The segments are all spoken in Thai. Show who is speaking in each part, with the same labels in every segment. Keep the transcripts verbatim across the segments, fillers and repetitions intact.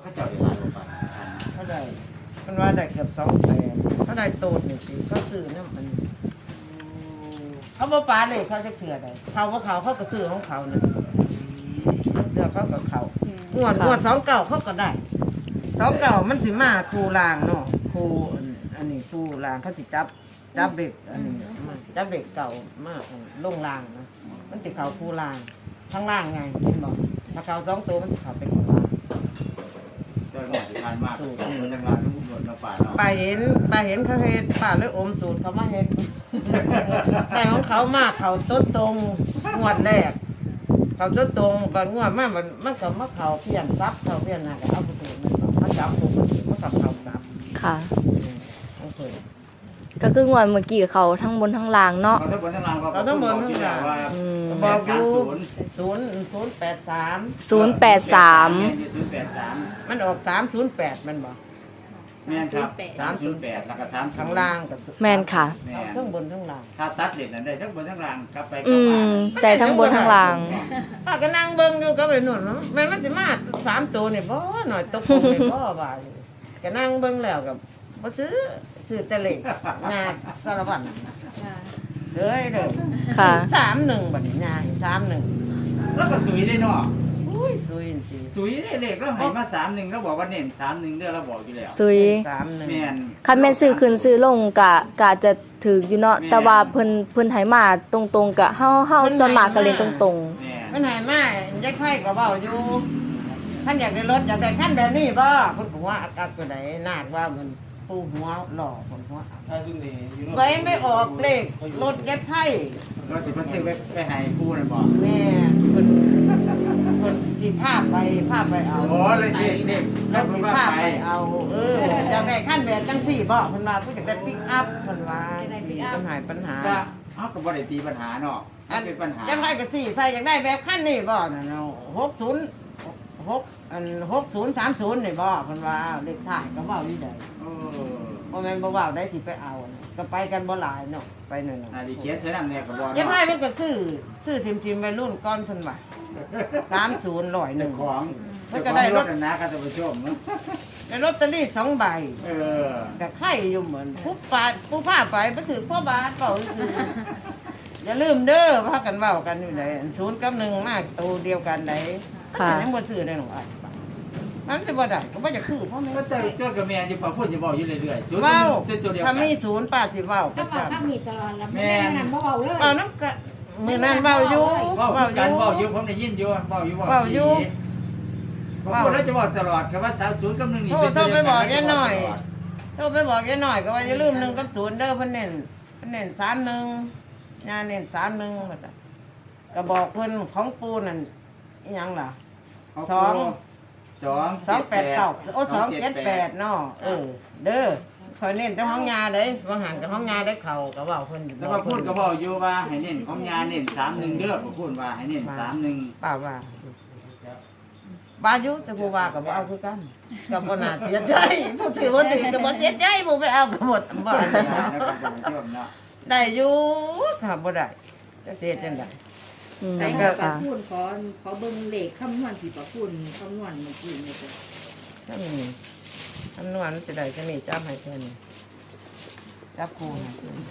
Speaker 1: เขาเจ้าได้หลายกว่าพัน
Speaker 2: เขาได้มันว่าได้เกือบสองแสนเขาได้โตดหนึ่งปีเขาซื้อเนี่ยมันเขาบ่ปาเลยเขาจะเกลือได้เขาว่าเขาเขาก็ซื้อของเขาเนี่ยเดี๋ยวเขาก็เขางวดงวดสองเก่าเขาก็ได้สองเก่ามันสิมาครูลางเนาะครูอันนี้ครูลางเขาสิจับจับเด็กอันนี้จับเด็กเก่ามากลงลางนะมันสิเขาครูลางข้างล่างไงเห็นบอกถ้าเขาสองตัวมันสิเขาเป็นข้างล่าง
Speaker 1: โดยหมดที่ผ่านมากมันจังหวัดนุ่มนวลมาป่าเนาะ
Speaker 2: ป้าเห็นป้าเห็นเขาเฮ็ดป้าเลยอมสูตรเขามาเฮ็ด แต่ของเขามากเขาต้นตรงงวดแรกเขาต้นตรงก่อนงวดมากมันมันก็มาเขาเพี้ยนซับเขาเพี้ยนน่ะก็เอาไปสูตรมันจับปุ๊บมันกับเขาจับ
Speaker 3: ค่ะ
Speaker 2: โอเค
Speaker 3: ก็คืองวดเมื่อกี้เขาทั้งบนทั้งล่างเนาะ
Speaker 1: เขาทั้งบนทั้งล่าง
Speaker 2: เราต้องเบิ่งทั้งหลาย
Speaker 1: ว่า
Speaker 3: อืม
Speaker 2: บอกอยู่ศูนย์ศูนย์แปดสาม
Speaker 3: ศูนย์แปดสาม
Speaker 1: ศูนย์แปดสาม
Speaker 2: มันออกสามศูนย์แปดมันบอก
Speaker 1: แม่นครับสามศูนย์แปดแล้วก็สาม
Speaker 2: ข้างล่างกับ
Speaker 3: แม่นค่ะ
Speaker 1: แม่
Speaker 2: ทั้งบนทั้งล่าง
Speaker 1: ถ้าตัดเหรียญนั้นได้ทั้งบนทั้งล่างกลับไปก
Speaker 3: อื
Speaker 1: ลับ
Speaker 3: ม
Speaker 1: มา
Speaker 3: แต่ทั้งบนทั้งล่าง
Speaker 2: ป้าก็นั่งเบิ่งอยู่ก็ไปหนุนเนาะแม่นมันสิมาสามตัวนี่บ่หน่อยตกลงนี่บ่ว่าอยู่ก็นั่งเบิ่งแล้วกับบ่ซื้อซื้อแต่เลขงาสารวัตรเด้ยเด้อ
Speaker 3: ค่ะ
Speaker 2: สามหนึ่งบัดนี้งาสามหนึ่ง
Speaker 1: แล้วก็สุยได้เนาะ
Speaker 2: อุ้ยซุยจริง
Speaker 1: สุยได้เลขแล้วให้มาสามหนึ่งแล้วบอกว่าเน้นสามหนึ่งเด้อเราบอกอยู่แล้ว
Speaker 3: ซุย
Speaker 2: สามหนึ่ง
Speaker 1: แม่น
Speaker 3: คันแม่นซื้อขึ้นซื้อลงกะกะจะถืออยู่เนาะแต่ว่าเพิ่นเพิ่นให้มาตรงๆกะเฮาเฮาจนมากก็เล่นตรง
Speaker 1: แม่น
Speaker 2: มันใหายมายายไข่ก็เว้าอยู่ท่านอยากได้รถอยากได้คันแบบนี้บ่เพิ่นก็ว่าอากาศตัวใดนาดว่ามันปูหัวหล่อคนหัว
Speaker 4: ถ้าซึ่งนี่อยู่
Speaker 2: ไว้ไม่ออกเลขรถยายไข่
Speaker 1: เราจะมาซื้อไปไปให้ผู้นั่นบอก
Speaker 2: แม่คนคนที่ภาพไปภาพไปเอา
Speaker 1: โอ้เลยเด็กเด็ก
Speaker 2: แล้วที่ภาพไปเอา เอออยากได้ขั้นแบบจังสี่บ่เพิ่นว่าเพิ่นจะได้ปิกอัพเพิ่นว่ามีปัญหาปัญหา
Speaker 1: ว่าเขาก็บ่ได้ตีปัญหาเนาะอันเป็นปัญหา
Speaker 2: จะไปก็สี่ใส่อยากได้แบบขั้นนี่บ่น่ะเนาะหกศูนย์หกอันหกศูนย์สามศูนย์นี่บ่เพิ่นว่าเลขท้ายก็เว้าอยู่ได้
Speaker 1: เออ
Speaker 2: บ่แม่นบ่เว้าได้สิไปเอาน่ะก็ไปกันบ่หลายเนาะไปนั่น
Speaker 1: นา
Speaker 2: น่ะ
Speaker 1: ดีเขียนเสยนำเนี่ยก็บอก
Speaker 2: ยังไงมันก็ซื้อซื้อทิมๆวัยรุ่นก่อนเพิ่นว่าสามศูนย์ร้อยหนึ่ง
Speaker 1: ของ
Speaker 2: มันก็ได้รถ
Speaker 1: นะครับท่านผู้ชม
Speaker 2: ได้ลอตเตอรี่สองใบ
Speaker 1: เออ
Speaker 2: แต่ไข่อยู่เหมือนผู้ปาผู้ผ้าไปไปถือพ่อบาทเปล่าคืออย่าลืมเด้อพากันเว้ากันอยู่ไหนศูนย์กับหนึ่งมากตัวเดียวกันไหน
Speaker 3: ค่ะ
Speaker 2: ยังบ่ซื้อได้หรอกอ่ะมันจะบ่ได้ก็บ่จะคือพ่อแม่
Speaker 1: ก็เจอเจอกับแม่อยู่ป่าพูดจะบอกอยู่เรื่อยๆศูนย์
Speaker 2: เว้า
Speaker 1: เป็นตัวเดียวกั
Speaker 2: ถ้าน มีศูนย์ป้าสิเว้า
Speaker 5: ก็
Speaker 2: ก็
Speaker 5: บอก
Speaker 2: จำ
Speaker 5: ถ้ามีตลอดแล้วไม่ได้นั่นบ่เบาเลย
Speaker 2: เว้าน้ำกะมื้อนั้นเว้าอยู่
Speaker 1: เว้า
Speaker 2: เว้าอ
Speaker 1: กัน
Speaker 2: ยู่
Speaker 1: เว้าอยู่ผมได้ยินอยู่เว้าอยู่
Speaker 2: เว้าอยู่
Speaker 1: ผมพูดแล้วจะบอกตลอดครับว่าสาวศูนย์กับหนึ่งนี่
Speaker 2: โทร
Speaker 1: เป็น
Speaker 2: โท
Speaker 1: ตั
Speaker 2: ร
Speaker 1: ว
Speaker 2: ไป
Speaker 1: เดียว
Speaker 2: บอก
Speaker 1: กัน
Speaker 2: ยายหน่อยโทรไปบอกยายหน่อยก็ว่าอย่าลืมหนึ่งกับศูนย์เด้อเพิ่นเน้นเพิ่นเน้นสามหนึ่งยาเน้นสามหนึ่งว่าซั่นก็บอกเพิ่นของปูนั่นอีหยังล่ะ สอง
Speaker 1: สอง
Speaker 2: สองแปดเก้าโอ้สองเจ็ดแปดเนาะเออ เด้อคอยเน้นแต่ห้องยาเด้ว่าห่างกับห้องยาได้เข่าก็เว่าเพิ่นอยู่
Speaker 1: แล้วก็พูดก็บอกอยู่ว่าให้เน้นของยาเน้นสามหนึ่งเด้อผมพูดว่าให้เน้นสามหนึ่ง
Speaker 2: ป้าว่าบายุแต่ผู้ว่าก็บ่เอาคือกันก็บ่น่าเสียใจผู้ถือบ่ถือก็บ่เสียใจผู้ไปเอาก็หมดบ่
Speaker 1: นะครับท่านผู้ชมเนาะ
Speaker 2: ได้อยู่ค่ะบ่ได้จะเสียจังได๋
Speaker 3: ๆอืม
Speaker 5: ใส่
Speaker 2: ก็
Speaker 5: ปลาพูนขอขอเบิ่งเลขคำนวณที่ปลาพูนคำนวณเมื่อกี้นี่จ้ะ
Speaker 2: ถ้ามีคำนวณจะได้จะมีจับให้เพิ่นจับครูให้เพิ่น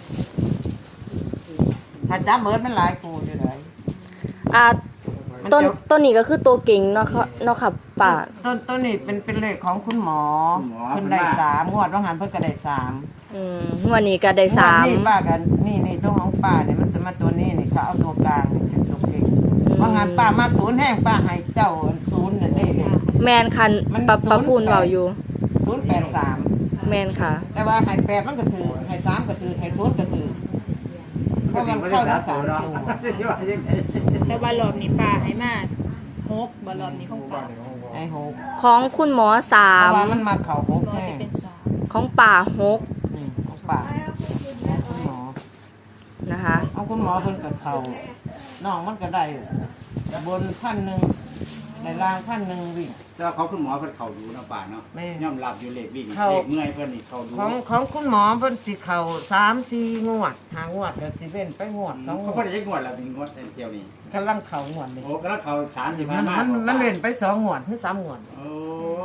Speaker 2: ถ้าจับเบิดมันหลายครูอยู่ไหน
Speaker 3: อ่า
Speaker 2: มัน
Speaker 3: ต้น
Speaker 2: จะ
Speaker 3: ต้นนี้ก็คือตัวเก่งเนาะค่ะเนาะค่ะป้า
Speaker 2: ต้นต้นนี้เป็นเป็นเลขของคุณหมอเพิ่นได้สามงวดว่างหันเพิ่นก็ได้สาม
Speaker 3: อืมงวดนี้ก็ได้สาม
Speaker 2: งวดนี่ป้ากันนี่นี่ตัวของป้าเนี่ยมันจะมาตัวนี้นี่เขาเอาตัวกลางนี่เป็นตัวเก่งว่างหันป้ามาศูนย์แห้งป้าให้เจ้าศูนย์นั่นนี่เลย
Speaker 3: แมนคัน
Speaker 2: มัน
Speaker 3: ปะ
Speaker 2: ศูนย์
Speaker 3: ปะพูนเว้าอยู่
Speaker 2: ศูนย์แปดสาม
Speaker 3: แมนค่ะ
Speaker 2: แต่ว่าให้แปดมันก็ถือให้สามก็ถือให้ศูนย์ก็ถือเพราะมันเข้าทั้งสามตัว
Speaker 5: แต่ว่ารอบนี้ปลาให้มาหกบ่รอบนี้ของปลา
Speaker 2: ไอ้หก
Speaker 3: ของคุณหมอสา
Speaker 2: เพ
Speaker 3: ม
Speaker 2: ราะว่ามันมาเข่าหก
Speaker 5: รอบ
Speaker 2: แน่
Speaker 5: นี้เป็นสาม
Speaker 3: ของป่าหก
Speaker 2: นี่ของป้าของคุณหมอ
Speaker 3: นะคะ
Speaker 2: เอาคุณหมอเพิ่นกับเขาน้องมันก็ได้บนขั้นหนึ่งในล่างขั้นหนึ่งวิ่ง
Speaker 1: แต่ว่าเขาคุณหมอเพิ่นเข้าดูเนาะป่าเนาะ
Speaker 2: แม่
Speaker 1: ยอมรับอยู่เลขวิ่ง
Speaker 2: เข้า
Speaker 1: เลขเมื่อยเพิ่นนี่เข้าดู
Speaker 2: ของของคุณหมอเพิ่นสิเขาสามสี่งวดหางวดก็สิเว้นไปงวดสองง
Speaker 1: เขา
Speaker 2: ว
Speaker 1: เพิ่
Speaker 2: ด
Speaker 1: นได้งวดแล้วถึงงวดเดียวนี้
Speaker 2: กำลังเขางวดเลย
Speaker 1: โอ้ก็แล้วเขาสามสิบ
Speaker 2: มั
Speaker 1: ห้าน มา
Speaker 2: มันมันเว้นไปสองงวดถึงสามงวด
Speaker 1: โอ้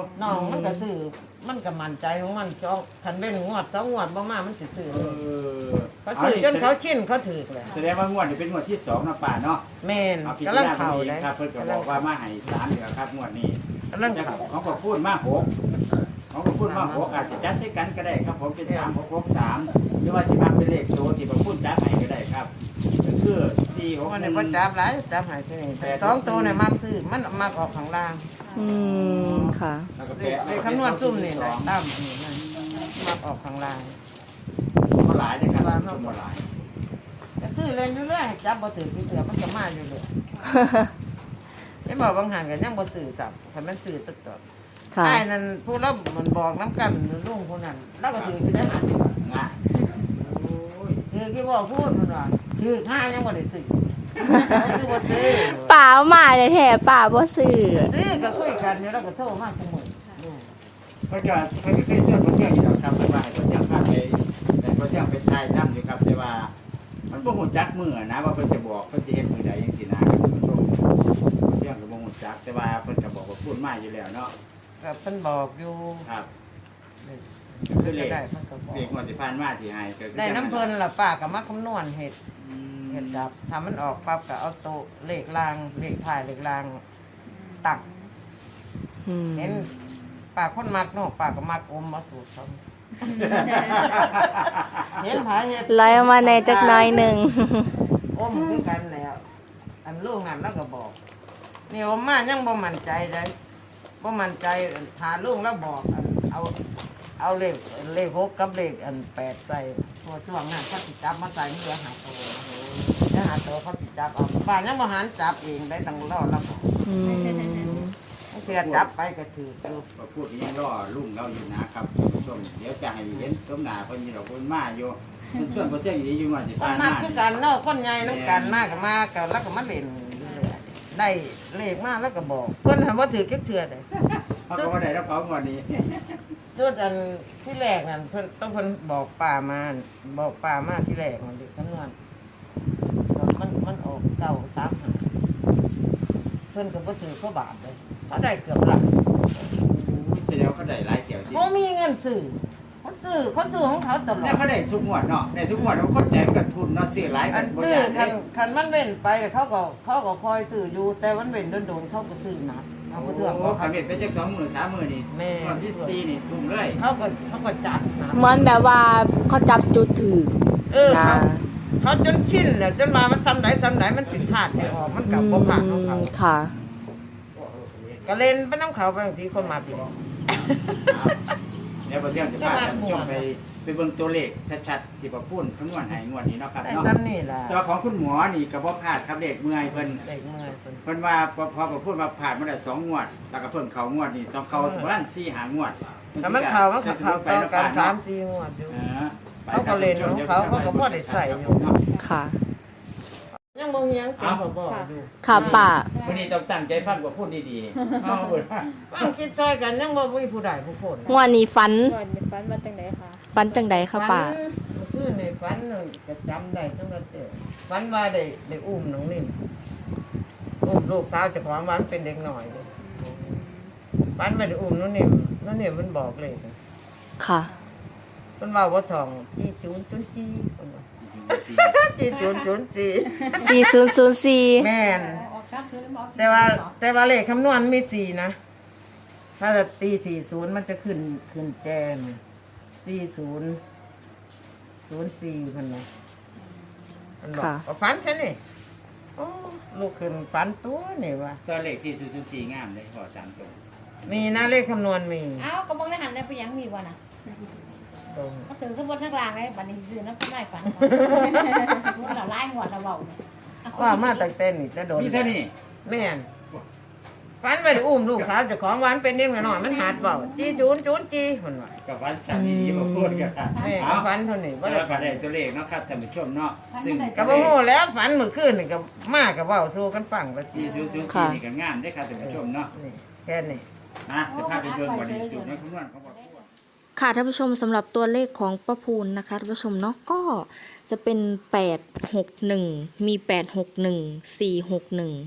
Speaker 2: น้องมันก็ซื้อมันก็มั่นใจของมันสองคันเป็นงวดสองงวดบ่มามันสิซื้อ
Speaker 1: เอ
Speaker 2: เลย
Speaker 1: อ
Speaker 2: เขาซื้อจนเขาชินเขาถือเลย
Speaker 1: แสดงว่างวดนี้เป็นงวดที่สองนะป่าเนาะ
Speaker 2: แม่น
Speaker 1: เอาพิ
Speaker 2: กำ
Speaker 1: จา
Speaker 2: ลั
Speaker 1: รง ณา
Speaker 2: เข่า
Speaker 1: เอง
Speaker 2: ได้
Speaker 1: ครับเพิ่นก็บอกว่ามาให้สามเดือนครับงวดนี้
Speaker 2: กำลัง
Speaker 1: แต่
Speaker 2: เข่า
Speaker 1: ของก็พูดมาหกของก็พูดมาหกอาจจะจัดให้กันก็ได้ครับผมเป็นสามหกหกสามหรือว่าจะมาเป็นเลขโตที่ผมพูดจัดให้ก็ได้ครับก็คือสี่หก
Speaker 2: วัน
Speaker 1: ห
Speaker 2: นี้
Speaker 1: นึ่ง
Speaker 2: ก็จับหลายจับหายที่นี่แต่สองตัวเนี่ยมักซื้อมันมักออกข้างล่าง
Speaker 3: อืมค่ะ
Speaker 1: แล้วก็
Speaker 2: เล
Speaker 1: แปะ
Speaker 2: ขเลขคำนวณซุ่มนี่นะตั้มนี่นะมักออกข้างล่าง
Speaker 1: ก็หลายนะครับชมว่าหลาย
Speaker 2: จะซื้อเล่นอยู่เรื่อยจับบ่ถือพี่เสือมันก็มาอยู่เลยไม่บอกบางห่างกันยังบ่ซื้อจับคันมันซื้อตึกตอด
Speaker 3: ค่ะ
Speaker 2: ไอ้นั่นผู้เรามันบอกน้ำกันลุงคนนั้นเราก็ถือคือได้หัน
Speaker 1: งะโอ้ย
Speaker 2: ถือกี่บอกพูดมันว่าถือห้ายังบ่ได้ซื้อคือบ่ซื้อ
Speaker 3: ป่ามาแท้ๆป่าบ่ซื้อ
Speaker 2: ซื้อก็คุยกันอยู่แล้วก็โทรมาคุมื้อ
Speaker 1: เพิ่นก็เพิ่นก็เคยเชื่อคนเที่ยวอยู่แล้วครับแต่ว่าให้คนเที่ยวพาไปแต่คนเที่ยวไปทายถ้ำอยู่ครับแต่ว่า มันบ่ฮู้จักมื้อนะว่าเพิ่นจะบอกเพิ่นจะเฮ็ดมื้อใดจังซี่นะครับท่านผู้ชมคนเที่ยวก็บ่ฮู้จักแต่ว่าเพิ่นก็บอกว่าพูดมาอยู่แล้วเนาะ
Speaker 2: ก็เพิ่นบอกอยู่
Speaker 1: ครับ
Speaker 2: ก็คือเลขได้เพิ่นก็บอก
Speaker 1: เรียกงวดที่ผ่านมาที่ให้ก็คือ
Speaker 2: ได้น้ำเพิ่นล่ะป้าก็มาคำนวณเฮ็ด
Speaker 1: อืม
Speaker 2: เฮ็ดจับถ้ามันออกปั๊บก็เอาโตะเลขรางเลขท้ายเลขรางตัก
Speaker 3: อืม
Speaker 2: เห็นป้าคนมักเนาะป้าก็มักอมมาสูตรเขาเห็นผาเฮ็ด
Speaker 3: ไล่มาในจักหน้อยหนึง
Speaker 2: อมคือกันแล้ว อันลูกนั่นแล้วก็บอก นี่อมมายังบ่มั่นใจเลยบ่มั่นใจถาลูกแล้วบอกอันเอาเอาเลขเลขหกกับเลขอันแปดใส่พอช่วงนั้นเขาสิจับมาใส่เมื่อหาตัวเมื่อหาตัวเขาสิจับเอาป้ายังบ่หันจับเองได้ตั้งรอแล้วบอก
Speaker 3: อืม
Speaker 2: เพื่อจับไปก็ถืออยู่
Speaker 1: มาพูดยังรอลุงเราอยู่นะครับท่านผู้ชมเดี๋ยวจะให้เห็นสมหน้าเพิ่นนี่ดอกเพิ่นมาอยู่เพิ่นส่วนประเทศอยู่อยู่งวดที่
Speaker 2: คน
Speaker 1: ผ่าน
Speaker 2: มา
Speaker 1: มา
Speaker 2: คือ
Speaker 1: นี่
Speaker 2: กันเนาะคนใหญ่น้ำกันมากก็มาก็แล้วก็มาเล่นอยู่เลยได้เลขมาแล้วก็บอก เพิ่นหันว่าถือแค่เถื่อเลย
Speaker 1: เขาก็บ่ได้รับเขางวดนี้
Speaker 2: จุดอันที่แรกนั่นเพิ่นต้องเพิ่นบอกป่ามาบอกป่ามาที่แรกมันเด็กคำนวณมันมันออกเก่าสามหาเพิ่นก็บ่ถือเขาบาทเลยเขาได้เกือบหลัก
Speaker 1: แสดงว่าเขาได้หลายเที่ยวจริง
Speaker 2: เขามีเงินซื้อเขาซื้อเขาซื้อของเขาตลอ
Speaker 1: แล้ว
Speaker 2: ด
Speaker 1: เขาได้ทุกงวดเนาะได้ทุกงวดเขาคนใจมันก็ทุนเนาะซื้อหลาย
Speaker 2: อั
Speaker 1: กัน
Speaker 2: น
Speaker 1: บ่
Speaker 2: ซื้อ
Speaker 1: ได้
Speaker 2: คันคันมันเว้นไปเขาก็เขาก็คอยซื้ออยู่ แต่มันเว้นโดนๆเขาก็ซื้อหนักเอาไปเถื่อน
Speaker 1: โอ้
Speaker 2: เขา
Speaker 1: ขับเบ็ดไปจักสองมื้อสามมื้อนี่
Speaker 2: แม่
Speaker 1: วันที่สี่นี่ทุ่มเลย
Speaker 2: เขาก็เขาก็จัดหนัก
Speaker 3: เหมือนแบบว่าเขาจับจุดถือ
Speaker 2: เออ
Speaker 3: นะ
Speaker 2: เขาเขาจนชินแหละจนมามันซ้ำไหนซ้ำไหนมันสิขาดสิออกมันกับบ่ผ่านของเขา
Speaker 3: ค่ะ
Speaker 2: ก็เล่นไปน้ำเขาไปบางทีคนมาผิด
Speaker 1: เดี๋ยวประเทศจะพาท่านผู้ชมไปไปเบิ่งตัวเลขชัดๆที่ประพูนคำนวณให้งวดนี้เนาะครับ
Speaker 2: ได้
Speaker 1: เนาะ
Speaker 2: ซ้ำนี่ล่ะ
Speaker 1: ตัวของคุณหมอนี่ก็บ่พลาดครับเลขเมื่อยเพิ่น
Speaker 2: เด็กเมื่อยคน
Speaker 1: เพิ่นว่าพอพอประพูนมาผ่านมาได้สองงวดแล้วก็เพิ่มเขางวดนี่ต้องเข้าประมาณสี่หางวด
Speaker 2: ถ้ามันเขามันก็เขาต่อกันสามสี่งวดอยู่
Speaker 1: เออไป
Speaker 2: เขาก็เล่นของเขาเขาก็พอได้ใส่อยู่
Speaker 3: ค่ะ
Speaker 2: ยังบ่เฮียงเต็มเขาบอกอยู่
Speaker 3: ค่ะป่า
Speaker 1: วันนี้ต้องตั้งใจฟังกว่าพูดดีๆเอาเบิดว่า
Speaker 2: บางคิดซอยกันยังบ่มีผู้ใดผู้คน
Speaker 3: งวดนี้ฟัน
Speaker 5: ก่อนมีฟันมาจังไดคะ
Speaker 3: ฟันจังใดคะป่า
Speaker 2: ฝันคือในฝันนึงก็จำได้จังว่าเจอฝันว่าได้ได้อุ้มน้องนิ่มอุ้มลูกสาวเจ้าของวันเป็นเด็กหน่อยเลยฝันว่าได้อุ้มน้องนิ่มน้องนิ่มมันบอกเลย
Speaker 3: ค่ะ
Speaker 2: มันว่าว่าทองจีจูนจุนจีคนว่าจีจูนจุนจี
Speaker 3: สี่ศูนย์ศูนย์สี่
Speaker 2: แม่นแต่ว่าแต่ว่าเลขคำนวณมีสี่นะ ถ้าจะตีสี่ศูนย์มันจะขึ้นขึ้นแจมสี่ศูนย์ศูนย์สี่พันนะมันบอกว่าฝันแค่นี้โอ้ลูกขึ้นฝันตัวนี่วะ
Speaker 1: ตัวเลขสี่ศูนย์ศูนย์สี่งามเลยพอตามตรง
Speaker 2: มีนะเลขคำนวณมี
Speaker 4: เอ้าก็เบิ่งในหันได้ไปยังมีบ่น่ะ
Speaker 2: ตรง
Speaker 4: มาถึงสมบูรณ์ทั้งกลางเลยบัดนี้ซื้อน้ำข้าวไม้ฝันมันละลายหัวละเบา
Speaker 2: ว่ามาตั้งแต่นี่จะโดน
Speaker 1: มีเท่านี้
Speaker 2: แม่นฝันไปได้อุ้มลูกสาวเจ้าของหวานเป็นเด็กน้อยๆมันหาดเบาจีจูนจูนจีคนว่า
Speaker 1: กับวันสามีมาพูดกันครับ
Speaker 2: แม่
Speaker 1: เอา
Speaker 2: ก็ฝันเท่านี้
Speaker 1: แล้
Speaker 2: บ่
Speaker 1: ว
Speaker 2: ได้
Speaker 1: ก็ได้ตัวเลขเนาะครับท่านผู้ชมเนาะซึ่ง
Speaker 2: ก็บ่ฮู้แล้วฝันเมื่อคืนนี่ก็มาก็เว้าสู่กันฟังว่าสิ
Speaker 1: สี่ศูนย์ศูนย์สี่นี่ก็งามได้อครับท่านผู้ชมเนาะ
Speaker 2: นี่แค่นี้
Speaker 1: นะจะพาไปเบิ่งวันนี้สูตรในคำนวณของพ่อ
Speaker 3: ค่ะท่านผู้ชมสำหรับตัวเลขของป้าพูนนะคะท่านผู้ชมเนาะก็จะเป็นแปดหกหนึ่งมีแปดหกหนึ่งสี่หกหนึ่ง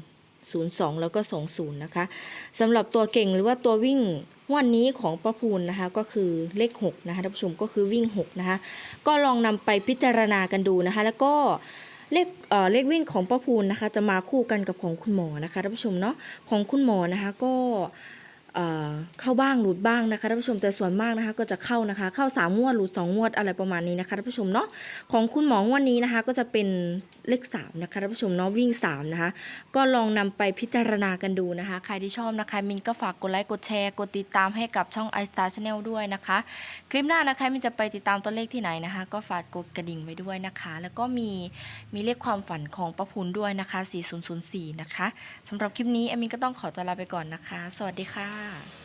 Speaker 3: ศูนย์สองแล้วก็สองศูนย์นะคะสำหรับตัวเก่งหรือว่าตัววิ่งวันนี้ของป้าพูนนะคะก็คือเลขหกนะคะท่านผู้ชมก็คือวิ่งหกนะคะก็ลองนำไปพิจารณากันดูนะคะแล้วก็เลขเอ่อเลขวิ่งของป้าพูนนะคะจะมาคู่กันกับของคุณหมอนะคะท่านผู้ชมเนาะของคุณหมอนะคะก็เอ่อเข้าบ้างหลุดบ้างนะคะท่านผู้ชมแต่ส่วนมากนะคะก็จะเข้านะคะเข้าสามงวดหลุดสองงวดอะไรประมาณนี้นะคะท่านผู้ชมเนาะของคุณหมอวันนี้นะคะก็จะเป็นเลขสามนะคะท่านผู้ชมเนาะวิ่งสามนะคะก็ลองนำไปพิจารณากันดูนะคะใครที่ชอบนะคะมินก็ฝากกดไลค์กดแชร์กดติดตามให้กับช่อง iStar Channel ด้วยนะคะคลิปหน้านะคะมินจะไปติดตามตัวเลขที่ไหนนะคะก็ฝากกดกระดิ่งไว้ด้วยนะคะแล้วก็มีมีเลขความฝันของป้าพูนด้วยนะคะสี่ศูนย์ศูนย์สี่นะคะสำหรับคลิปนี้แอมมินก็ต้องขอตัวลาไปก่อนนะคะสวัสดีค่ะ